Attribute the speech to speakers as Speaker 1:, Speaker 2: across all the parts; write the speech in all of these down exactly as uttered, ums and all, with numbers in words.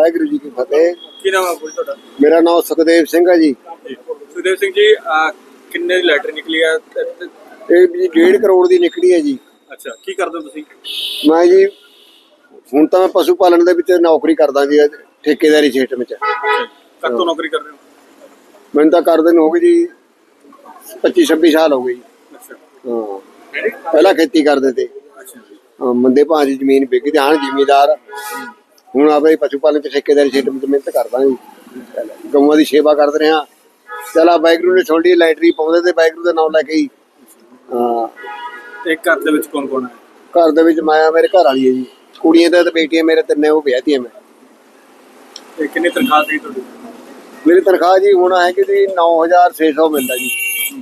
Speaker 1: वाहिगुरू जी की फतेह।
Speaker 2: ਕੀ ਨਾਮ ਹੈ ਬੋਲ ਤੁਹਾਡਾ?
Speaker 1: मेरा नाम सुखदेव सिंह है जी।
Speaker 2: ਸੁਖਦੇਵ ਸਿੰਘ ਜੀ, ਅਹ, ਕਿੰਨੇ ਦੀ ਲੈਟਰ ਨਿਕਲੀ ਆ ਤੇ- ਤੇ-
Speaker 1: ਇਹ ਜੀ डेढ़ करोड़ ਦੀ ਨਿਕਲੀ ਹੈ ਜੀ।
Speaker 2: ਅੱਛਾ, ਕੀ ਕਰਦੇ ਹੋ ਤੁਸੀਂ?
Speaker 1: ਮੈਂ ਜੀ ਹੁਣ ਤਾਂ ਮੈਂ ਪਸ਼ੂ ਪਾਲਣ ਦੇ ਵਿੱਚ ਨੌਕਰੀ ਕਰਦਾ ਜੀ, ਠੇਕੇਦਾਰੀ ਸਿਸਟਮ ਵਿੱਚ।
Speaker 2: ਕਦ ਤੋਂ ਨੌਕਰੀ ਕਰ ਰਹੇ ਹੋ?
Speaker 1: ਮੈਨੂੰ ਤਾਂ ਕਰਦੇ ਨੂੰ ਹੋ ਗਈ ਜੀ ਪੱਚੀ ਛੱਬੀ ਸਾਲ ਹੋ ਗਏ ਜੀ।
Speaker 2: ਅੱਛਾ
Speaker 1: ਹਾਂ, ਪਹਿਲਾਂ ਖੇਤੀ ਕਰਦੇ ਤੇ,
Speaker 2: ਅੱਛਾ ਜੀ।
Speaker 1: ਹਾਂ, ਮੰਦੇ ਭਾਅ ਦੀ ਜ਼ਮੀਨ ਵਿਕ ਗਈ, ਹਾਂ ਜ਼ਿਮੀਦਾਰ। ਹੁਣ ਆਪਣੇ ਪਸ਼ੂ ਪਾਲਣ ਚ ਠੇਕੇਦਾਰੀ ਸਿਸਟਮ ਚ ਮਿਹਨਤ ਕਰਦਾ ਜੀ, ਗਊਆਂ ਦੀ ਸੇਵਾ ਕਰਦੇ ਰਿਹਾ। ਚਲਾ ਵਾਹਿਗੁਰੂ ਨੇ ਛੋਡੀ ਲਾਈਟਰੀ ਪਾਉਂਦੇ ਤੇ ਵਾਹਿਗੁਰੂ ਦਾ ਨਾਮ ਲੈ ਕੇ ਹੀ। ਹਾਂ,
Speaker 2: ਤੇ ਘਰ ਦੇ ਵਿੱਚ ਕੌਣ ਕੌਣ ਹੈ?
Speaker 1: ਘਰ ਦੇ ਵਿੱਚ ਮੈਂ ਮੇਰੇ ਘਰ ਵਾਲੀ ਹੈ ਜੀ, ਕੁੜੀਆਂ ਤੇ ਬੇਟੀਆਂ ਮੇਰੇ ਤਿੰਨੇ, ਉਹ ਵਿਆਹਤੀਆਂ ਮੈਂ।
Speaker 2: ਤੇ ਕਿੰਨੀ ਤਨਖਾਹ ਸੀ ਤੁਹਾਡੀ?
Speaker 1: ਮੇਰੀ ਤਨਖਾਹ ਜੀ ਹੁਣ ਹੈ ਕਿ ਜੀ ਨੌ ਹਜ਼ਾਰ ਛੇ ਸੌ ਮਿਲਦਾ ਜੀ।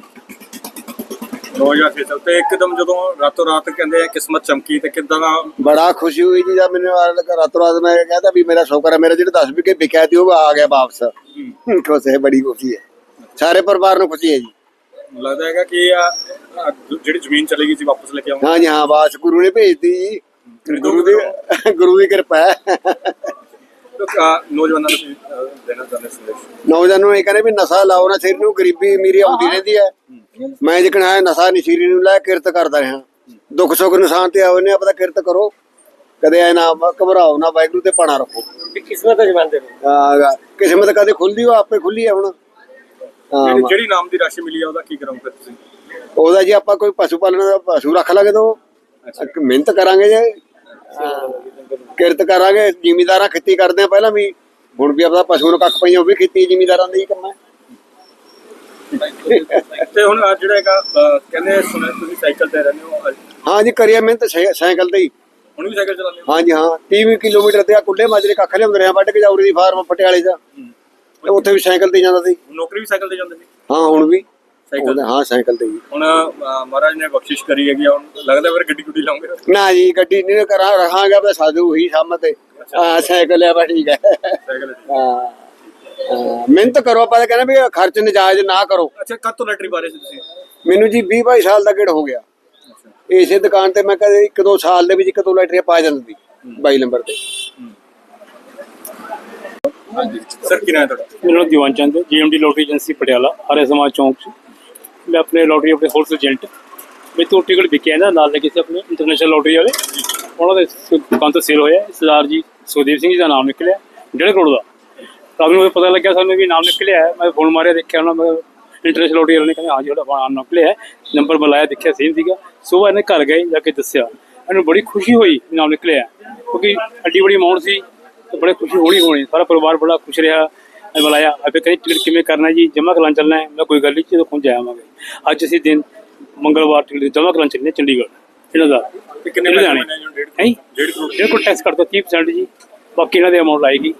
Speaker 2: ਨੌ ਹਜ਼ਾਰ ਛੇ ਸੌ। ਤੇ ਇੱਕਦਮ ਜਦੋਂ ਰਾਤੋਂ ਰਾਤ ਕਹਿੰਦੇ ਆ ਕਿਸਮਤ ਚਮਕੀ, ਤੇ ਕਿੱਦਾਂ ਦਾ?
Speaker 1: ਬੜਾ ਖੁਸ਼ੀ ਹੋਈ ਜੀ ਜਦ ਮੈਨੂੰ ਰਾਤੋਂ ਰਾਤ ਮੈਂ ਕਹਿੰਦਾ ਵੀ ਮੇਰਾ ਸ਼ੁਕਰ ਹੈ, ਮੇਰਾ ਜਿਹੜੇ ਦਸ ਵਿਕੇ ਵਿਕਿਆ ਸੀ ਉਹ ਆ ਗਿਆ ਵਾਪਸ। ਖੁਸ਼ ਹੈ, ਬੜੀ ਖੁਸ਼ੀ ਹੈ, ਸਾਰੇ ਪਰਿਵਾਰ ਨੂੰ ਖੁਸ਼ੀ ਹੈ ਜੀ।
Speaker 2: ਲੱਗਦਾ ਹੈਗਾ ਕਿ ਆ ਆ ਜਿਹੜੀ ਜ਼ਮੀਨ ਚਲੀ ਗਈ ਸੀ ਵਾਪਸ ਲੈ ਕੇ ਆਉਂਗਾ।
Speaker 1: ਹਾਂ ਜੀ ਹਾਂ, ਬਾਸ ਗੁਰੂ ਨੇ ਭੇਜਤੀ ਜੀ, ਗੁਰੂ ਦੀ ਗੁਰੂ ਦੀ ਕਿਰਪਾ ਹੈ।
Speaker 2: ਨੌਜਵਾਨਾਂ ਨੂੰ ਕੀ, ਅਹ, ਦੇਣਾ ਚਾਹੁੰਦੇ ਸੰਦੇਸ਼?
Speaker 1: ਨੌਜਵਾਨਾਂ ਨੂੰ ਇਹ ਕਹਿੰਦੇ ਵੀ ਨਸ਼ਾ ਲਾਓ ਨਾ, ਸਿਰ ਨੂੰ ਗਰੀਬੀ ਅਮੀਰੀ ਆਉਂਦੀ ਰਹਿੰਦੀ ਹੈ। ਮੈਂ ਜਿਕਣ ਆਇਆ ਨਸ਼ਾ ਨਹੀਂ ਸਿਰ ਨੂੰ ਲੈ ਕਿਰਤ ਕਰਦਾ ਰਿਹਾ, ਦੁੱਖ ਸੁੱਖ ਨਿਸ਼ਾਨ ਤੇ ਆਓ ਨੇ ਆਪਣਾ ਕਿਰਤ ਕਰੋ, ਕਦੇ ਐ ਨਾ ਘਬਰਾਓ ਨਾ, ਵਾਹਿਗੁਰੂ ਤੇ ਪਾਣਾ ਰੱਖੋ।
Speaker 2: ਕਿਸਮਤ ਜਮਾਂਦੇ
Speaker 1: ਹਾਂ, ਕਿਸਮਤ ਕਦੇ ਖੁੱਲਦੀ ਉਹ ਆਪੇ ਖੁੱਲੀ ਹੈ। ਹੁਣ ਹਾਂ,
Speaker 2: ਜਿਹੜੀ ਨਾਮ ਦੀ ਰਾਸ਼ੀ ਮਿਲੀ ਆ ਉਹਦਾ ਕੀ ਕਰੋਗੇ ਤੁਸੀਂ?
Speaker 1: ਉਹਦਾ ਜੀ ਆਪਾਂ ਕੋਈ ਪਸ਼ੂ ਪਾਲਣ ਦਾ ਪਸ਼ੂ ਰੱਖ ਲਾਂਗੇ ਤਾਂ ਮਿਹਨਤ ਕਰਾਂਗੇ ਜੀ, ਕਿਰਤ ਕਰਾਂਗੇ। ਜ਼ਿਮੀਦਾਰਾਂ ਖੇਤੀ ਕਰਦੇ ਆ ਪਹਿਲਾਂ ਵੀ, ਹੁਣ ਵੀ ਆਪਣਾ ਪਸ਼ੂ ਨੂੰ ਕੱਖ ਪਈਆਂ, ਉਹ ਵੀ ਖੇਤੀ ਜ਼ਿਮੀਦਾਰਾਂ ਦਾ ਹੀ ਕੰਮ ਹੈ।
Speaker 2: ਤੇ ਹੁਣ ਆਹ ਜਿਹੜਾ ਹੈਗਾ, ਅਹ, ਕਹਿੰਦੇ ਸੁਣਿਆ ਤੁਸੀਂ ਸਾਈਕਲ ਤੇ ਰਹਿੰਦੇ ਹੋ, ਅੱਜ
Speaker 1: ਹਾਂ ਜੀ, ਕਰੀਏ ਮਿਹਨਤ ਸਾਈ- ਸਾਈਕਲ ਤੇ ਹੀ।
Speaker 2: ਹੁਣ ਵੀ ਸਾਈਕਲ ਚਲਾਉਂਦੇ ਹੋ?
Speaker 1: ਹਾਂ ਜੀ ਹਾਂ, ਤੀਹ ਕਿਲੋਮੀਟਰ ਤੇ ਆ ਕੁੱਲੇ ਮਾਜਰੇ ਕੱਖ ਲਿਆਉਂਦੇ ਰਹੇ, ਵੱਢ ਕੇ ਜਾਉਰੀ ਦੀ ਫਾਰਮ ਪਟਿਆਲੇ ਦਾ, ਤੇ ਉੱਥੇ ਵੀ ਸਾਈਕਲ ਤੇ ਜਾਂਦਾ ਸੀ।
Speaker 2: ਨੌਕਰੀ ਵੀ ਸਾਈਕਲ ਤੇ ਜਾਂਦੇ ਸੀ?
Speaker 1: ਹਾਂ, ਹੁਣ ਵੀ
Speaker 2: ਸਾਈਕਲ ਤੇ?
Speaker 1: ਹਾਂ, ਸਾਈਕਲ ਤੇ ਹੀ।
Speaker 2: ਹੁਣ ਅਹ, ਮਹਾਰਾਜ ਨੇ ਬਖਸ਼ਿਸ਼ ਕਰੀ ਹੈਗੀ ਆ, ਹੁਣ ਲੱਗਦਾ ਫਿਰ ਗੱਡੀ ਗੁੱਡੀ ਲਾਉਂਗੇ?
Speaker 1: ਨਾ ਜੀ, ਗੱਡੀ ਨਹੀਂ ਕਰਾਂ ਰਹਾਂਗਾ, ਬਸ ਸਾਧੂ ਹੀ ਸਾਹਮਣੇ ਤੇ। ਹਾਂ, ਸਾਈਕਲ ਹੈ, ਬਸ ਠੀਕ ਹੈ।
Speaker 2: ਸਾਈਕਲ ਤੇ।
Speaker 1: ਹਾਂ, ਹਾਂ, ਮਿਹਨਤ ਕਰੋ, ਆਪਾਂ ਤਾਂ ਕਹਿੰਦੇ ਵੀ ਖਰਚ ਨਜਾਇਜ਼ ਨਾ ਕਰੋ।
Speaker 2: ਅੱਛਾ, ਕਦ ਤੋਂ ਲੈਟਰੀ ਬਾਰੇ ਸੀ ਤੁਸੀਂ?
Speaker 1: ਮੈਨੂੰ ਜੀ ਵੀਹ ਬਾਈ ਸਾਲ ਦਾ ਗੇੜ ਹੋ ਗਿਆ। ਇਸੇ ਦੁਕਾਨ ਤੇ ਮੈਂ ਕਦੇ ਇੱਕ ਦੋ ਸਾਲ ਦੇ ਵਿੱਚ ਇੱਕ ਦੋ ਲੈਟਰੀਆਂ ਪਾ ਜਾਂਦੀ ਬਾਈ ਨੰਬਰ ਤੇ।
Speaker 2: ਹਾਂਜੀ ਸਰ, ਕੀ ਨਾਮ ਹੈ ਤੁਹਾਡਾ?
Speaker 3: मेरा नाम दीवान चंद है, GMD lottery agency Patiala Arya Samaj चौंक से। मैं अपने लॉटरी अपने होलसेल एजेंट मैं तो टिकट बिके ना नाल लगे से अपने इंटरनेशनल लॉटरी वाले उन्होंने दुकान तो सेल होया। सरदार जी सुखदेव सिंह जी का नाम निकलिया डेढ़ करोड़ का। रात में पता लग गया सानू भी नाम निकलिया है। मैं फोन मारिया देखा ना, मैं इंटरनेशनल लॉटरी वाले ने कहते हाँ जी नाम निकलिया है, नंबर बुलाया देखा सेम सीगा। सुबह इन्हें घर गए जाके दसिया, इन्हें बड़ी खुशी हुई नाम निकलिया क्योंकि एड्डी बड़ी अमाउंट सी, तो बड़े खुशी होनी होनी। सारा परिवार बड़ा खुश रहा। मैं बुलाया अभी कहीं टिकट किमें करना जी, जमा करान चलना है। मैं कोई गल नहीं, जो पहुँच जावांगे। अज असी दिन मंगलवार टिकट जमा करान चलने चंडीगढ़ इन्हों का।
Speaker 2: कितने
Speaker 3: डेढ़ करोड़ टैक्स कट दो तीह परसेंट जी, बाकी इन्हों की अमाउंट आएगी।